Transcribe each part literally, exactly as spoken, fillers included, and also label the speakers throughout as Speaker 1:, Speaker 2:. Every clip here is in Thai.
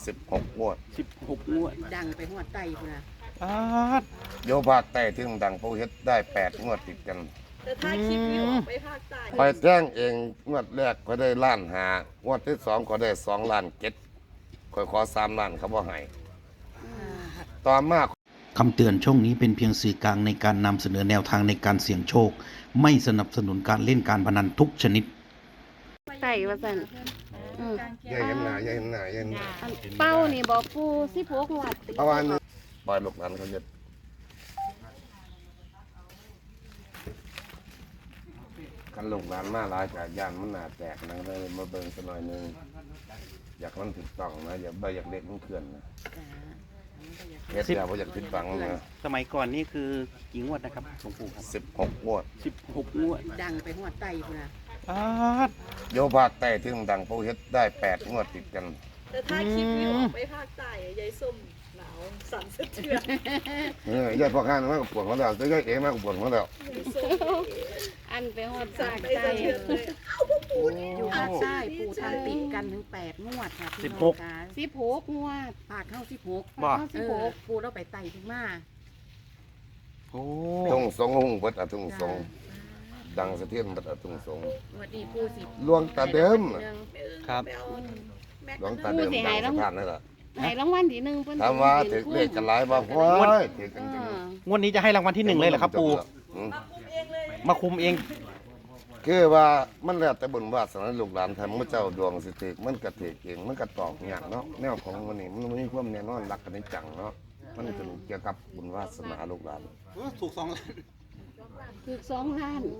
Speaker 1: สิบหกงวด
Speaker 2: สิบหกงวด
Speaker 3: ดังไปหัวไตพุ่นน่ะ
Speaker 2: อาด
Speaker 1: โยภาคใต้ถึงดังผู้เฮ็ดได้แปดงวดติดกัน
Speaker 4: แต่ถ้าคลิปนี้ออกไปภาคใต้
Speaker 1: คอยแจ้งเองงวดแรกก็ได้ล้านหางวดที่สองก็ได้สองล้านเจ็ดคอยขอสามล้านเขาบ่ให้ต่อมา
Speaker 5: คำเตือนช่องนี้เป็นเพียงสื่อกลางในการนำเสนอแนวทางในการเสี่ยงโชคไม่สนับสนุนการเล่นการพนันทุกชนิด
Speaker 6: ไต่ว่าซั่นอือ
Speaker 1: อย่าเห็นหน้าอย่าเห็นหน้าอย่าเห็นหน้า
Speaker 6: เป้านี่บอกปูสิบหกงวด
Speaker 1: เพราะว่านี่ปล่อยลูกหลานเขาเฮ็ดคันลูกหลานมาหลายจากย่านมันหน้าแตกนะเลยมาเบิ่งสักหน่อยนึงอยากมันถูกต้องนะอย่าบ่อยากเด็กมันเคลื่อนนะเฮ็ดแล้วบ่อยากผิดหวังนะ
Speaker 2: สมัยก่อนนี่คือกี่งวดนะครับหลวงปู่ครับ
Speaker 1: สิบหกงวด
Speaker 2: สิบหกงวด
Speaker 3: ดังไปหัวไตพุ่นน่ะ
Speaker 2: อาด
Speaker 1: โยภาคใต้ถึงดังผู้เฮ็ดได้แปดงวดติดกัน
Speaker 4: แต่ถ้าคลิปนี้ออกไปภาคใต้ยายส้มหนาวสั่นสะเทือน
Speaker 1: เออยายพ่อข้างมากปวดหัวแล้วยายเอ๋มากปวดหัวแล้ว
Speaker 6: อันไปฮอด
Speaker 4: สั่นไปสะเทือนเลยเอ้าพวกปู่นี่
Speaker 3: อยู่ภาคใต้ปู่ทำติดกันถึงแปดงวดค่ะพี่น้องค่ะ
Speaker 6: สิบหกงวด
Speaker 3: ภาคเข้าสิบหก
Speaker 2: บ่
Speaker 3: สิบหกปู่เราไปไต่ถึงมา
Speaker 2: โอ้
Speaker 1: ทุ่งสงหุ่งเบิดอะทุ่งสงดังสะเทือนเบิดอะทุ่งสง
Speaker 3: วันนี้ปู่สิ
Speaker 1: หลวงตาเดิม
Speaker 2: ครับ
Speaker 1: หลวงตาเดิมดังสะพานนั่นแหละ
Speaker 6: ให้รางวัลที่หนึ่งเพิ่น
Speaker 1: ถามว่าถือเลขกันหลายบ่โอ้ยถือกันจริง
Speaker 2: งวดนี้จะให้รางวัลที่หนึ่งเลยเหรอครับปู่มาคุมเอง
Speaker 1: คือว่ามันแล้วแต่บุญวาสนาลูกหลานทำมื้อเจ้าดวงสิถือมันก็ถือเองมันก็ตอกยากเนาะแนวของมันนี่มันมีความแน่นอนหลักกันในจังเนาะมันเป็นเกี่ยวกับบุญวาสนาลูกหลาน
Speaker 2: ถูกสองล้าน
Speaker 6: ถูกสองล้าน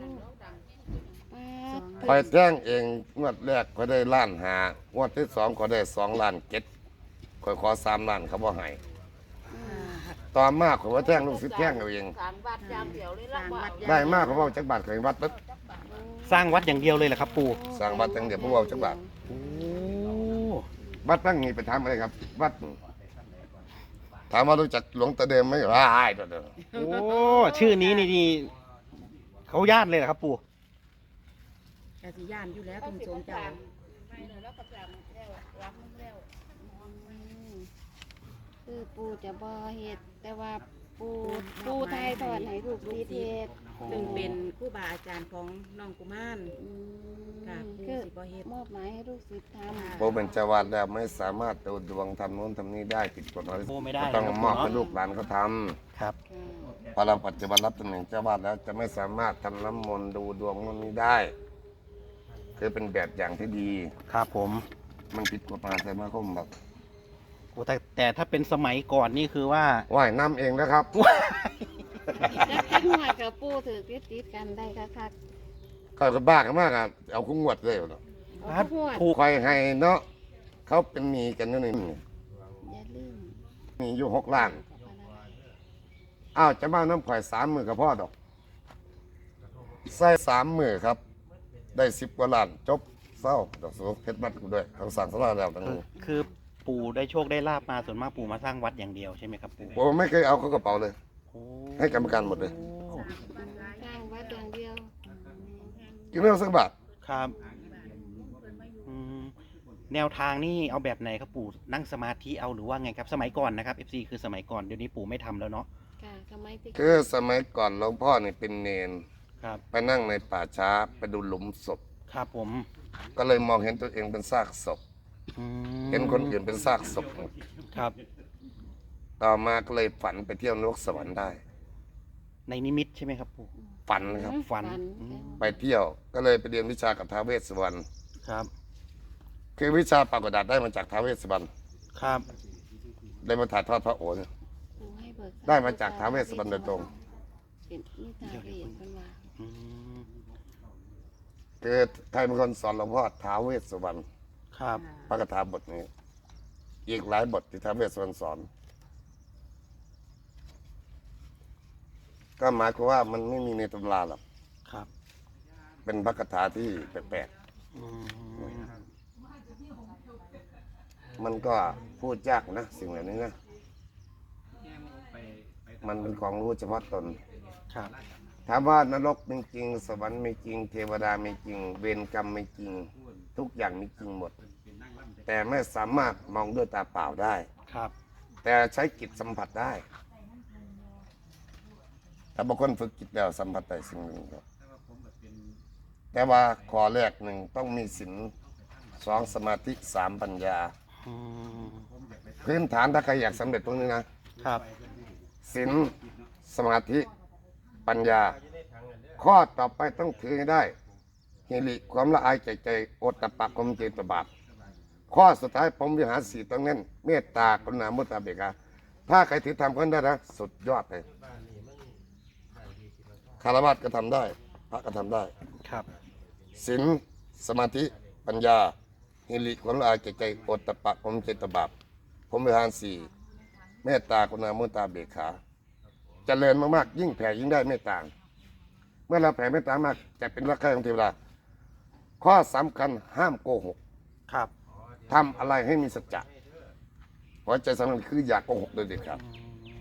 Speaker 1: คอยแจ้งเองงวดแรกก็ได้ล้านหางวดที่สองก็ได้สองล้านเจ็ดคอยขอสามล้านเขาบ่ให้ต่อมาขอยว่าแจ้งลูกศิษย์แจ้งเอาเองได้มากเขาบอกจักบาทเคยวัดปึ๊บ
Speaker 2: สร้างวัดอย่างเดียวเลยเหรอครับปู่
Speaker 1: สร้างวัดตั้งเดียวผู้เอาจักบาท
Speaker 2: โอ้
Speaker 1: วัดตั้งนี้ไปทำอะไรครับวัดถามว่ารู้จักหลวงตาเดิมไหมว้ายตัวเดิม
Speaker 2: โอ้ชื่อนี้นี่นี่เขาญาติเลยเหรอครับปู่
Speaker 3: กะสิย่านอยู่แล้วทุ่งสงเจ้า
Speaker 6: คือปูจะบ่เฮ็ดแต่ว่าปูปูไทยทอดให้ลูกศิษย์เฮ็ด
Speaker 3: ซึ่งเป็นครูบาอาจารย์ของน้องกุมารค่ะปู่สิบ่เฮ็ด
Speaker 6: มอบหมายให้ลูกศิษย์ทำ
Speaker 1: ผมเป็นเจ้าวาดแล้วไม่สามารถดูดวงทำโน้นทำนี้ได้ผิดกฎหมายต้องมอบให้ลูกหลานเขาท
Speaker 2: ำครับ
Speaker 1: พอเราปัจจุบันรับตำแหน่งเจ้าวาดแล้วจะไม่สามารถทำน้ำมนต์ดูดวงโน้นนี้ได้คือเป็นแบบอย่างที่ดี
Speaker 2: ครับผม
Speaker 1: มันผิดกฎหมายแต่มาคมแบบ
Speaker 2: แต่แต่ถ้าเป็นสมัยก่อนนี่คือว่า
Speaker 1: ว่ายน้ำเองนะครับ
Speaker 6: จะกินหัวกับปูถือติดติดกันได้คัก
Speaker 1: ๆเขาจะบ้ากันมากอ่ะเอาคุ้งวดเลยเนาะผูกคอยให้เนาะเขาเป็นมีกันอยู่นี่
Speaker 6: อย่าลืม
Speaker 1: มีอยู่หกล้านอ้าวจะมาน้ำข่อยสามมือกับพ่อดอกใส่สามมือครับได้สิบกว่าล้านจบเศร้าดอกสุเพชรบัตรกูด้วยเขาสั่งสลาแล้วทั้งนี้
Speaker 2: คือปู่ได้โชคได้ลาบมาส่วนมากปู่มาสร้างวัดอย่างเดียวใช่ไหมครับปู่
Speaker 1: ผมไม่เคยเอาเขากระเป๋าเลยให้กรรมการหมดเลย
Speaker 6: สร้างวัดอย่างเดียว
Speaker 1: กินไม่เอาสักบาท
Speaker 2: ครับแนวทางนี่เอาแบบไหนครับปู่นั่งสมาธิเอาหรือว่าไงครับสมัยก่อนนะครับ เอฟ ซี คือสมัยก่อนเดี๋ยวนี้ปู่ไม่ทำแล้วเนาะ
Speaker 1: คือสมัยก่อนหลวงพ่อนี่เป็นเนน
Speaker 2: ครับ
Speaker 1: ไปนั่งในป่าช้าไปดูหลุมศพ
Speaker 2: ครับผม
Speaker 1: ก็เลยมองเห็นตัวเองเป็นซากศพเห็นคนอื่นเป็นซากศพหมด
Speaker 2: ครับ
Speaker 1: ต่อมาก็เลยฝันไปเที่ยวนรกสวรรค์ได้
Speaker 2: ในนิมิตใช่ไหมครับปู่
Speaker 1: ฝันครับ
Speaker 2: ฝัน
Speaker 1: ไปเที่ยวก็เลยไปเรียนวิชากับท้าวเวสสุวรรณ
Speaker 2: ครับ
Speaker 1: คือวิชาปากกดัดได้มาจากท้าวเวสสุวรรณ
Speaker 2: ครับ
Speaker 1: ได้มาถ่ายทอดพระโอษฐ์ได้มาจากท้าวเวสสุวรรณโดยตรงคือใครเป็นคนสอนหลวงพ่อท้าวเวสสุวรรณ
Speaker 2: ครับ
Speaker 1: พระคาถาบทนี้อีกหลายบทที่ท้าวเวสสุวรรณสอนก็หมายความว่ามันไม่มีในตำราหรอก
Speaker 2: ครับ
Speaker 1: เป็นพระคาถาที่แปลกๆมันก็พูดยากนะสิ่งเหล่านี้นะมันเป็นของรู้เฉพาะตน
Speaker 2: ครับ
Speaker 1: ถามว่านรกเป็นจริงสวรรค์ไม่จริงเทวดาไม่จริงเวรกรรมไม่จริงทุกอย่างมีจริงหมดแต่ไม่สามารถมองด้วยตาเปล่าได้
Speaker 2: ครับ
Speaker 1: แต่ใช้จิตสัมผัสได้ถ้าบางคนฝึกจิตแล้วสัมผัสได้สิ่งหนึ่งครับแต่ว่าข้อแรกหนึ่งต้องมีศีลสองสมาธิสามปัญญา
Speaker 2: อืม
Speaker 1: พื้นฐานถ้าใครอยากสำเร็จตรงนี้นะครับ ศีลสมาธิปัญญา ข้อต่อไปต้องถือให้ได้เฮริความละอายใจใจโอตตะปะความเจตบาปข้อสุดท้ายผมวิหารสีต้องเน้นเมตตากรุณามุตตาเบกขาถ้าใครถือทำกันได้นะสุดยอดเลยคารวะก็ทำได้ พระก็ทำได้
Speaker 2: ครับ
Speaker 1: ศีลสมาธิปัญญาเฮริความละอายใจใจโอตตะปะความเจตบาปผมวิหารสีเมตตากรุณามุตตาเบกขาเจริญมากๆยิ่งแผ่ยิ่งได้เมตตาเมื่อเราแผ่เมตตามากจะเป็นรักใคร่ของเทวดาข้อสำคัญห้ามโกหก
Speaker 2: ครับ
Speaker 1: ทำอะไรให้มีสัจจะหัวใจสำคัญคืออย่าโกหกโดยเด็ดขาด
Speaker 2: อืม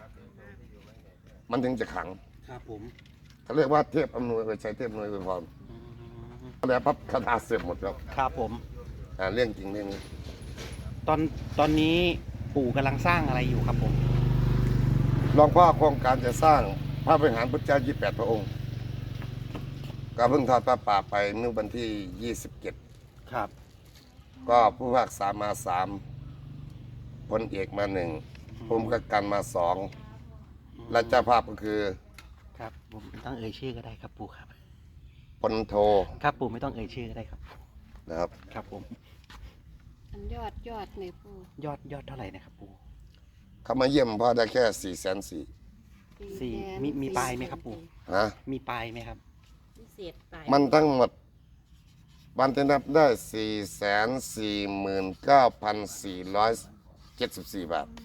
Speaker 1: มันถึงจะขัง
Speaker 2: ครับผม
Speaker 1: เขาเรียกว่าเทพอำนวยอวยชัยเทพอำนวยอวยพร
Speaker 2: อืม
Speaker 1: แล้วพับคาถาเสื่อมหมดแล้ว
Speaker 2: ครับผม
Speaker 1: อ่าเรื่องจริงเรื่องนี้
Speaker 2: ตอนตอนนี้ปู่กำลังสร้างอะไรอยู่ครับผม
Speaker 1: หลวงพ่อโครงการจะสร้างพระบริหารพุทธเจ้ายี่สิบแปดพระองค์ก็เพิ่งทอดพระป่าไปเมื่อวันที่ยี่สิบเจ็ด
Speaker 2: ครับ
Speaker 1: ก็ผู้ภาคสามมาสามพลเอกมาหนึ่งภูมิกับการมาสองและเจ้าภาพก็คือ
Speaker 2: ครับผมไม่ต้องเอ่ยชื่อก็ได้ครับปู่ครับ
Speaker 1: พลโท
Speaker 2: ครับปู่ไม่ต้องเอ่ยชื่อก็ได้ครับ
Speaker 1: นะครับ
Speaker 2: ครับผม
Speaker 6: อันยอดยอดในปู
Speaker 2: ยอดยอดเท่าไหร่นะครับปู่
Speaker 1: เขามาเยี่ยมพ่อได้แค่สี่แสนสี่
Speaker 2: สี่มีมีปลายไหมครับปู่
Speaker 1: ฮะ
Speaker 2: มีปลายไหมครับ
Speaker 3: พิเศษไป
Speaker 1: มันทั้งหมดวันที่นับได้สี่แสนสี่หมื่นเก้าพันสี่ร้อยเจ็ดสิบสี่บาท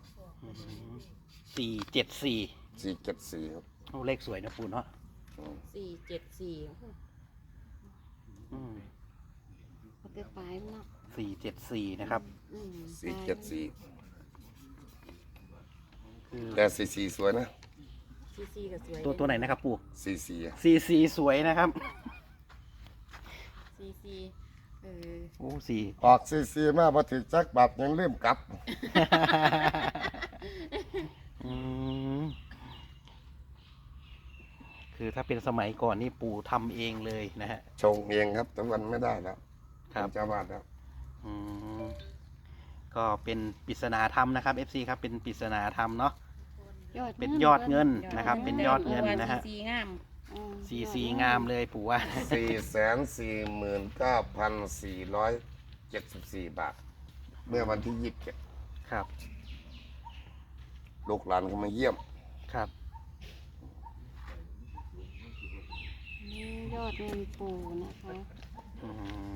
Speaker 2: สี่เจ็ดสี่
Speaker 1: สี่เจ็ดสี่ครับ
Speaker 2: โอ้เลขสวยนะปู่เนาะ
Speaker 3: สี่เจ็ดสี่
Speaker 2: อืม
Speaker 6: เอาไปปลายมันเนาะ
Speaker 2: สี่เจ็ดสี่นะครับ
Speaker 6: อืม
Speaker 1: สี่เจ็ดสี่
Speaker 2: คือ
Speaker 1: แต่สี่สี่สวยนะ
Speaker 3: ซีซีก็สวย
Speaker 2: ตัวตัวไหนนะครับปู่
Speaker 1: สี่สี่อะ
Speaker 2: สี่สี่สวยนะครับ
Speaker 3: ซีซีเออ
Speaker 2: โอ้สี่
Speaker 1: ออกสี่สี่มาพอถึงจักบาทยังลืมกลับ
Speaker 2: อืมคือถ้าเป็นสมัยก่อนนี่ปู่ทำเองเลยนะฮะ
Speaker 1: ชงเองครับแต่วันไม่ได้แล้ว
Speaker 2: ครับ
Speaker 1: เป็นเจ้าวาดแล้ว
Speaker 2: อืมก็เป็นปริศนาธรรมนะครับ เอฟ ซี ครับเป็นปริศนาธรรมเนาะ
Speaker 6: ยอด
Speaker 2: เป็นยอดเงินนะครับ เป็นยอดเงินนะฮะ
Speaker 3: ซีงาม
Speaker 6: อืม
Speaker 2: สีสีงามเลยปู่ว่า
Speaker 1: สี่แสนสี่หมื่นเก้าพันสี่ร้อยเจ็ดสิบสี่บาท เมื่อวันที่ยี่สิบเจ็ด
Speaker 2: ครับ
Speaker 1: ลูกหลานเขามาเยี่ยม
Speaker 2: ครับ
Speaker 6: นี่ยอดเงินปูนะคะ
Speaker 2: อืม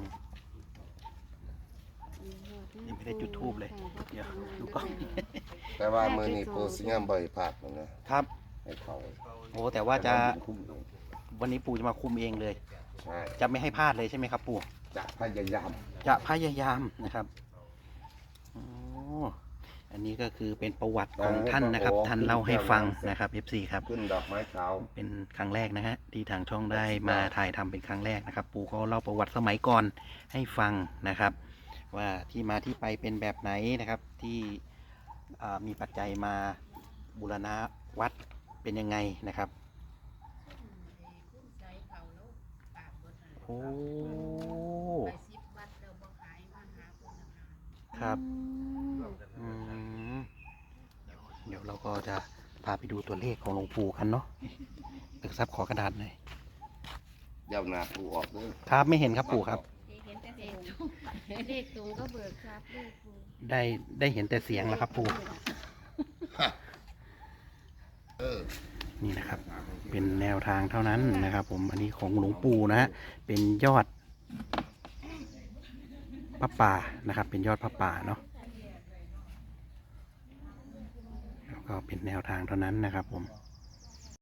Speaker 6: ยอดเงิน
Speaker 2: ยังไม่ได้จุดธูปเลย
Speaker 6: ค่ะ
Speaker 2: เดี๋ยวดูก่อน
Speaker 1: แต่ว่ามือนี้ปูสิงามบ่อยพลาดมันนะครับ ให้เขา
Speaker 2: โอ้แต่ว่าจะ
Speaker 1: คุ้มลง
Speaker 2: วันนี้ปู่จะมาคุมเองเลย
Speaker 1: ใช่
Speaker 2: จะไม่ให้พลาดเลยใช่ไหมครับ ปู่
Speaker 1: จะพยายาม
Speaker 2: จะพยายามนะครับโอ้อันนี้ก็คือเป็นประวัติของท่านนะครับ ท่านเล่าให้ฟังนะครับ เอฟ ซี ครับ
Speaker 1: ขึ้นดอกไม้ขาว
Speaker 2: เป็นครั้งแรกนะฮะที่ทางช่องได้มาถ่ายทำเป็นครั้งแรกนะครับ ปู่ก็เล่าประวัติสมัยก่อนให้ฟังนะครับ ว่าที่มาที่ไปเป็นแบบไหนนะครับ ที่อ่ามีปัจจัยมาบูรณะวัดเป็นยังไงนะครับโอ้ครับอืมเดี๋ยวเราก็จะพาไปดูตัวเลขของหลวงปู่กันเนาะตึกซับขอกระดาษหน่อย
Speaker 1: ยาวหนาปูออกเลย
Speaker 2: ครับไม่เห็นครับปู่ครับ
Speaker 3: เห็นแต่
Speaker 6: เล
Speaker 3: เสีย
Speaker 6: ข
Speaker 3: ง
Speaker 6: ตรงเลขตรงก็เบิกครับเลขปู
Speaker 2: ได้ได้เห็นแต่เสียงแล้วครับปู่
Speaker 1: เออ
Speaker 2: นี่นะครับ เป็นแนวทางเท่านั้นนะครับ ผมอันนี้ของหลวงปู่นะฮะเป็นยอดพระป่านะครับ เป็นยอดพระป่าเนาะแล้วก็เป็นแนวทางเท่านั้นนะครับ ผม